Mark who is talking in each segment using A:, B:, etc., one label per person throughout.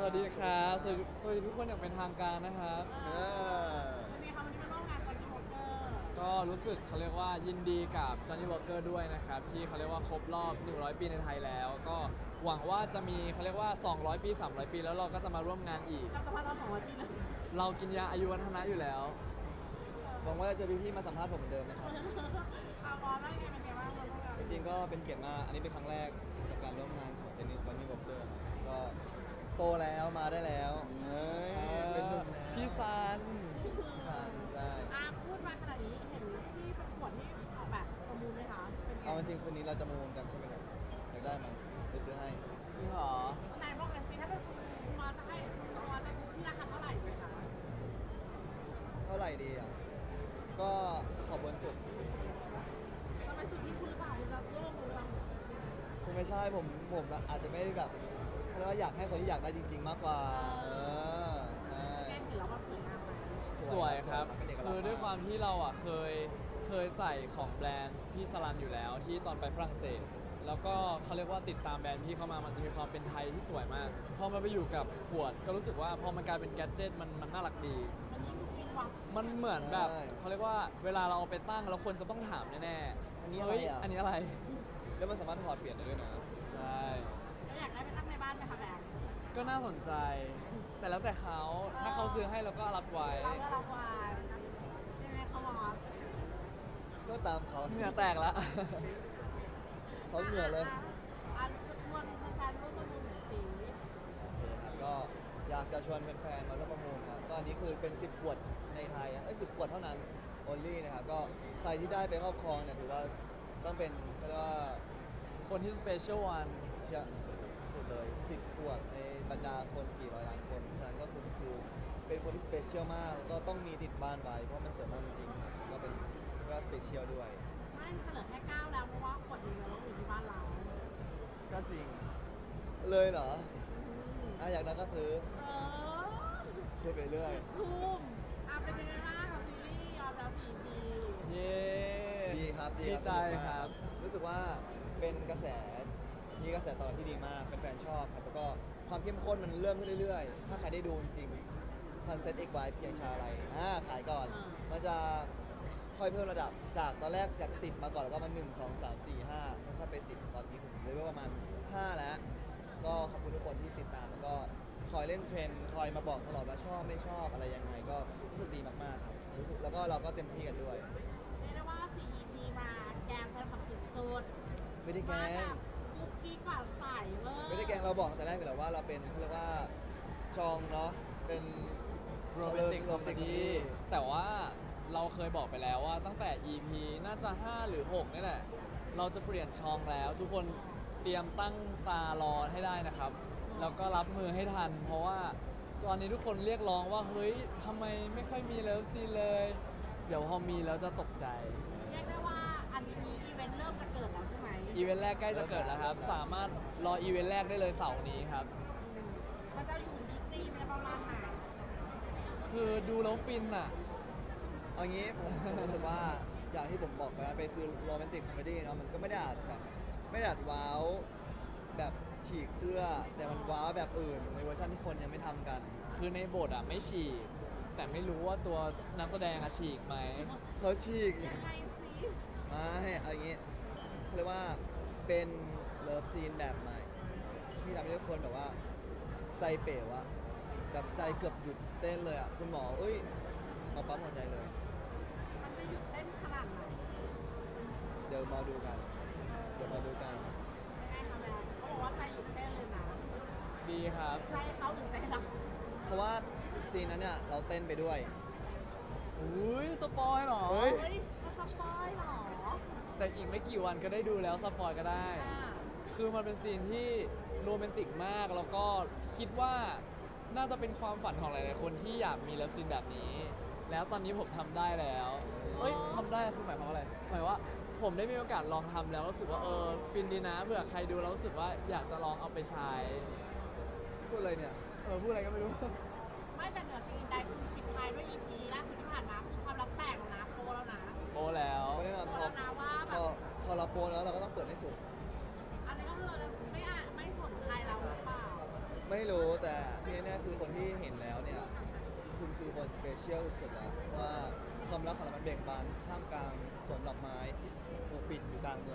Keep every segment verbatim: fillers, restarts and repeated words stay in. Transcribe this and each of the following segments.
A: วัสดีครับสวัสดีสวัสดีทุกคนอย่างเป็นทางการนะครับ
B: เออ
C: วันนี้ค่ะวันนี้มาร่วมงานจันทร์วอล์กเกอร์
A: ก็รู้สึกเขาเรียกว่ายินดีกับ Johnny Walker ด้วยนะครับที่เขาเรียกว่าครบรอบหนึ่งร้อยปีในไทยแล้วก็หวังว่าจะมีเขาเรียกว่าสองร้อยปีสามร้อยปีแล้วเราก็จะมาร่วมงานอีก
C: เราจะพาเราสองร้อยปีเลย
A: เรากินยาอายุวัฒนะอยู่แล้ว
B: หวังว่าจะเจอพี่ๆมาสัมภาษณ์ผมเหมือนเดิมนะครับ
C: อาบอลได้ไงเป็นไงบ้างมาร่วมงาน
B: จริงๆก็เป็นเกียรติมาก อันนี้เป็นครั้งแรกกับการร่วมงานของเจนนี่ตอนนี้บอกเกอร์ก็โตแล้วมาได้แล้วเอ้ยเป็นหนุ่มแล้ว
A: พี่ซัน
B: พี่ซันใช่
C: อาพูดมาขนาดนี้เห็นที่ประกวดที่ออกแบบประมูลไหมคะเป็นไง
B: เอาจริงๆคืนนี้เราจะมาวนกันใช่ไหมครับอยากได้ไหมเดี๋ยวซื้อให้
A: จริงเหรอ
C: นายบอกเลยสิถ้าเป็นคุณมาจะให้คุณมาจะที่ราคาเท่าไหร่เลยคะ
B: เท่าไหร่ดีอ่ะก็ขอบนสุด
C: จะไปสุดที่คุณหรือเปล่าคุณจะร่วมมือเรา
B: คงไม่ใช่ผมผมอาจจะไม่แบบเพราะว่าอยากให้คนที่อยากได้จริง ๆ มากกว่าเออใช่
C: แกเห็นแล้วว่าสวยงามไหม
A: สวยครับ
B: เป็นเอกลักษณ์
A: คือด้วยความ
B: มาก
A: ที่เราอ่ะเคยเคยใส่ของแบรนด์พี่สลันอยู่แล้วที่ตอนไปฝรั่งเศส แล้วก็เขาเรียกว่าติดตามแบรนด์พี่เข้ามามันจะมีความเป็นไทยที่สวยมาก พอมาไปอยู่กับขวดก็รู้สึกว่าพอมันกลายเป็นแกดเจิตมันมันน่ารักดี
C: มันยิ่งยิ่งวัง
A: มันเหมือนแบบ
B: ใช่
A: เขาเรียกว่าเวลาเราเอาไปตั้งแล้วคนจะต้องถามแน่
B: อันนี้
A: ๆ
B: อะไร
A: เฮ้ย
B: อ่ะ
A: อันนี้อะไร
B: แล้วมันสามารถถอดเปลี่ยนได้ด้วยนะ
A: ใช่
C: เราอยากได้ไปตั้งในบ้านไหมคะแบงค์
A: ก็น่าสนใจ แต่แล้วแต่เขาถ้าเขาซื้อให้เราก็รับไว้
C: เราก็รับวานยังไงเขาบอก
B: ก็ตามเขา
A: เหงื่อแตกแล้ว
B: เขาเหงื่อเลย
C: อ่ะชวนแฟนๆร่วมประมูลหน่อยสิ
B: โอเคครับก็อยากจะชวนแฟนๆมาร่วมประมูลครับก็อันนี้คือเป็นสิบขวดในไทยอ่ะไอ้สิบขวดเท่านั้น only นะครับก็ใครที่ได้ไปครอบครองเนี่ยถือว่าต้องเป็นก็เรียกว่า
A: คนที่สเปเชียลวัน
B: เชียสุดๆเลยสิบขวดในบรรดาคนกี่ร้อยล้านคนฉะนั้นก็คุณคือเป็นคนที่สเปเชียลมากแล้วก็ต้องมีติดบ้านไว้เพราะมันสวยมากจริงๆครับก็เป็นก็สเปเชียลด้วย
C: ไม่มันจะเหลือแค่เก้าแล้วเพราะว่าขวดเดียวเราอยู่ที่บ้านเรา
A: ก็จริง
B: เลยเหรอ
C: อืม
B: อ่ะอยากได้ก็ซื้อ
C: เออ
B: พูดไปเรื่อย
C: ทุ่มอ่ะเป็นยังไงบ้างกับซีรีส์ยอมแล้วสี่ปี
A: เย้
B: ดีครับดี
A: ดี
B: ครับ
A: ใจ
B: สนุกมาก
A: ครับ
B: รู้สึกว่าเป็นกระแสมีกระแสตอบรับที่ดีมากแฟนๆชอบครับแล้วก็ความเข้มข้นมันเริ่มขึ้นเรื่อยๆ ถ้าใครได้ดูจริงๆ Sunset X Y เพียงชาอะไรอ่าขายก่อน มันจะค่อยเพิ่มระดับจากตอนแรกจากสิบมาก่อนแล้วก็มาหนึ่ง สอง สาม สี่ ห้าค่อยๆไปสิบตอนนี้ผมเลยว่าประมาณห้าแล้ว ก็ขอบคุณทุกคนที่ติดตามแล้วก็คอยเล่นเทรนด์คอยมาบอกตลอดว่าชอบไม่ชอบอะไรยังไงก็รู้สึกดีมากๆครับรู้สึกแล้วก็เราก็เต็มที่กันด้วย
C: เรียกได้ว่าสี่ อี พี มาแกงแฟนคลับสุดๆ
B: ไม่ได้แก
C: มา
B: ล้
C: แบ
B: ง
C: บกุ๊กกิ๊กกว่าใสเลย
B: ไม่ได้แกล้งเราบอกตั้งแต่แรกไปแล้วว่าเราเป็นเขาเรียกว่าชองเนาะเป็น
A: โรแมนติกคอมเม
B: romantic
A: ดี้
B: comedy
A: แต่ว่าเราเคยบอกไปแล้วว่าตั้งแต่ อี พี น่าจะ ห้า หรือ หก นี่แหละ เราจะเปลี่ยนช่องแล้ว ทุกคนเตรียมตั้งตารอให้ได้นะครับ แล้วก็รับมือให้ทัน เพราะว่าตอนนี้ทุกคนเรียกร้องว่า เฮ้ยทำไมไม่ค่อยมีเลิฟซีนเลย เดี๋ยวพอมีแล้วจะตกใจ
C: เรียกได้ว่าอันนี้อีเวนต์เริ่มจะเกิดแล้วใช่ไหม
A: อีเวนต์แรกใกล้จะเกิดแล้วครับ สามารถรออีเวนต์แรกได้เลยเสาร์นี้ครับ
C: อืมมันจะอยู่ดีกรีมันจะประมาณไหน
A: คือดูแล้วฟินอ่ะ
B: เอางี้ผมผมรู้สึกว่าอย่างที่ผมบอกไปว่าเป็นคือโรแมนติกคอมเมดี้เนาะมันก็ไม่ได้อาจแบบไม่ได้อาจว้าวแบบฉีกเสื้อ แต่มันว้าวแบบอื่นในเวอร์ชันที่คนยังไม่ทำกัน
A: คือในบทอ่ะไม่ฉีก แต่ไม่รู้ว่าตัวนักแสดงอะฉีกไหม
B: เขาฉีก
C: ยังไงสิ
B: ไม่เอาอย่างงี้เขาเรียกว่าเป็นเลิฟซีนแบบใหม่ ที่ทำให้ทุกคนแบบว่า ใจเป๋วอะแบบใจเกือบหยุดเต้นเลยอะคุณหมอเอ้ยมาปั๊มหัวใจเลย
C: มันจะหยุดเต้นขนาดไหน
B: เดี๋ยวมาดูกัน เดี๋ยวมาดูกัน
C: ยังไงคะแม่เขาบอกว่าใจหยุดเต้นเลยนะ
A: ดีครับ
C: ใจเขาหรือใจเรา
B: เพราะว่าซีนนั้นเนี่ยเราเต้นไปด้วย
A: อุ้ยสปอยเหรอ
B: เฮ้ย
C: เฮ้ยเขาสปอยเหรอ
A: แต่อีกไม่กี่วันก็ได้ดูแล้วสปอยก็ได้
C: อ่า
A: คือมันเป็นซีนที่โรแมนติกมาก แล้วก็คิดว่าน่าจะเป็นความฝันของหลายๆคนที่อยากมีเลิฟซีนแบบนี้ แล้วตอนนี้ผมทำได้แล้วเอ้ยทำได้คือหมายความว่าอะไร หมายว่าผมได้มีโอกาสลองทำแล้วรู้สึกว่าเออฟินดีนะเผื่อใครดูแล้วรู้สึกว่าอยากจะลองเอาไปใช้
B: พูดอะไรเนี่ย
A: เออพูดอะไรก็ไม่รู้
C: ไม่แต่เหนือสิ่งอื่นใดคือปิดท้ายด้วย อี พี ล่าสุดที่ผ่านมาคือความลับแตกแล้วนะโปรแล้วนะ
A: โอ้แล้ว
B: ก็แน่นอน
C: โป
B: พ
C: ร
B: อ
C: แล้วนะว่าแบ
B: พอบ พอเราโปรแล้วเราก็ต้องเปิดให้สุด
C: อันนี้ก็คือเราจะไม่อ่ะไม่สนใครเราหรือเปล่า
B: ไม่รู้แต่ที่แน่ๆคือคนที่เห็นแล้วเนี่ยคุณคือคนสเปเชียลสุดแล้วว่าความรักของเรามันเบ่งบานท่ามกลางสวนดอกไม้ปกปิดอยู่กลางเมือง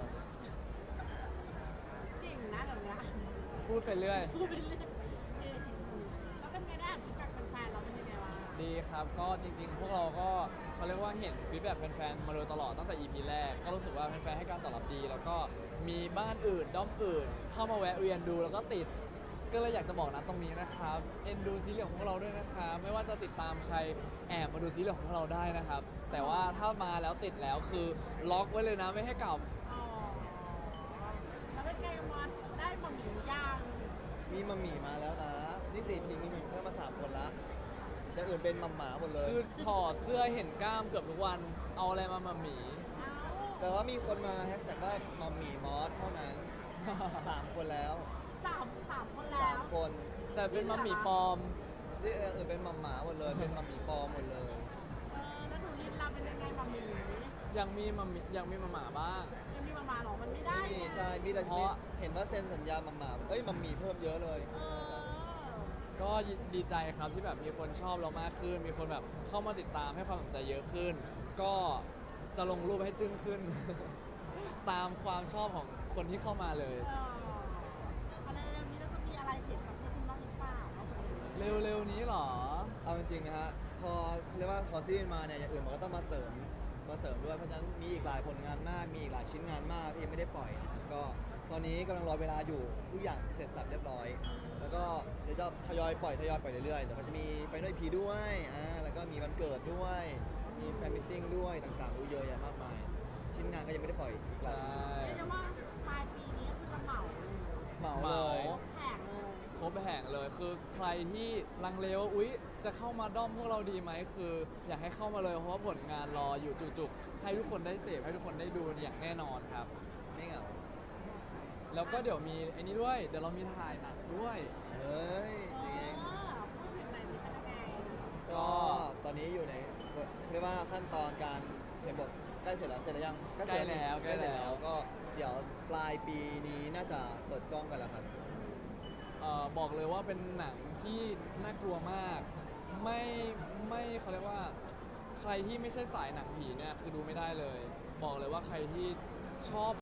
C: จริงนะเดี๋ยวนี้
A: พูดไปเรื่อย
C: พูดไปเรื่อยเออแล้วเป็นไงได้ฟีดแบ็กแฟนๆเราเป็นยังไงวะ
A: ดีครับ ก็จริงๆ พวกเราก็เขาเรียกว่าเห็นฟีดแบ็กแฟนๆ มาโดยตลอดตั้งแต่ อี พี แรก ก็รู้สึกว่าแฟนๆ ให้การตอบรับดี แล้วก็มีบ้านอื่นด้อมอื่น เข้ามาแวะเวียนดูแล้วก็ติด ก็เลยอยากจะบอกนะตรงนี้นะครับ เอ็นดูซีรีส์ของพวกเราด้วยนะครับ ไม่ว่าจะติดตามใครแอบมาดูซีรีส์ของพวกเราได้นะครับ แต่ว่าถ้ามาแล้วติดแล้วคือล็อกไว้เลยนะไม่ให้กลับ
C: อ๋อแล้วเป็นไงมอสได้บะหมี่ย่าง
B: มีมัมหมี่มาแล้วนะนี่สี่พีมีมัมหมี่เพิ่มมาสามคนละอย่างอื่นเป็นมัมหมาหมดเลย
A: คือถอดเสื้อเห็นกล้ามเกือบทุกวัน เอาอะไรมามาหมี
C: เอ้า
B: แต่ว่ามีคนมาแฮชแท็กว่ามัมหมี่มอสเท่านั้นสามคนแล้ว
C: สามสามคนแล้
B: สาว มคน
A: แต่เป็นมาหมีปลอม
B: นี่อย่างอื่นเป็นมัมหมาหมดเลย เป็นมัมหมี่ปลอมหมดเลย
C: เออแล้วดูลินเราเป็นยังไงบะหมี่
A: ยังมีมาหมียังมีมาหมาบ้าง
C: ยังมีมามาหรอมันไม่ได้
B: นี่
C: ไง
B: ใช่ มีแต่
A: เพราะ
B: เห็นว่าเซ็นสัญญามัมหมาเอ้ยมัมหมี่เพิ่มเยอะเลย
C: เออ
A: ก็ดีใจครับที่แบบมีคนชอบเรามากขึ้น มีคนแบบเข้ามาติดตามให้ความสนใจเยอะขึ้น ก็จะลงรูปให้จึ้งขึ้น ตามความชอบของคนที่เข้ามาเลย
C: เอออะไรเร็วๆนี้เราจะมีอะไรเห็นกับพวกคุณบ้างหรือเปล่าเอาไปเลย
A: เร็วๆนี้เหรอ
B: เอาจริงๆนะฮะ พอเรียกว่าพอซีรีส์มาเนี่ย อย่างอื่นมันก็ต้องมาเสริม มาเสริมด้วย เพราะฉะนั้นมีอีกหลายผลงานมาก มีอีกหลายชิ้นงานมากที่ยังไม่ได้ปล่อยนะครับก็ตอนนี้กำลังรอเวลาอยู่ ทุกอย่างเสร็จสับเรียบร้อย แล้วก็เดี๋ยวจะทยอยปล่อยทยอยปล่อยเรื่อยๆ เดี๋ยวก็จะมีไปด้วยพีด้วย อ่า แล้วก็มีวันเกิดด้วย มีแฟนมิทติ้งด้วยต่างๆอู้เยอะแยะมากมาย ชิ้นงานก็ยังไม่ได้ปล่อยอีกหลายชิ้น
A: ใช่
C: เรียกได้ว่าปลายปีนี้ก็คือจะเหมาเลย
B: เหมาเลย
A: เหมา
C: แผงเลย
A: ครบแห่งเลยคือใครที่ลังเลว่าอุ๊ย จะเข้ามาด้อมพวกเราดีไหมคือ อยากให้เข้ามาเลยเพราะว่าผลงานรออยู่จุกๆ ให้ทุกคนได้เสพให้ทุกคนได้ดูอย่างแน่นอนครับ
B: ไม่เหงา
A: แล้วก็เดี๋ยวมีไอ้นี้ด้วย เดี๋ยวเรามีถ่ายหนังด้วย
B: เฮ้ย
C: เอ
B: จริง
C: อพูดถึงไหนมีเป็นยังไง
B: ก็ตอนนี้อยู่ในเรียกว่าขั้นตอนการเขียนบทใกล้เสร็จแล้วเสร็จแล้วยัง
A: ใกล้แล้ว
B: ใกล้เสร็จ
A: ใกล้แล้
B: แล้ว วก็เดี๋ยวปลายปีนี้น่าจะเปิดกล้องกันแล้วครับ
A: เอ่อบอกเลยว่าเป็นหนังที่น่ากลัวมาก ไม่ไม่เขาเรียกว่า ใครที่ไม่ใช่สายหนังผีเนี่ยคือดูไม่ได้เลย บอกเลยว่าใครที่ชอบ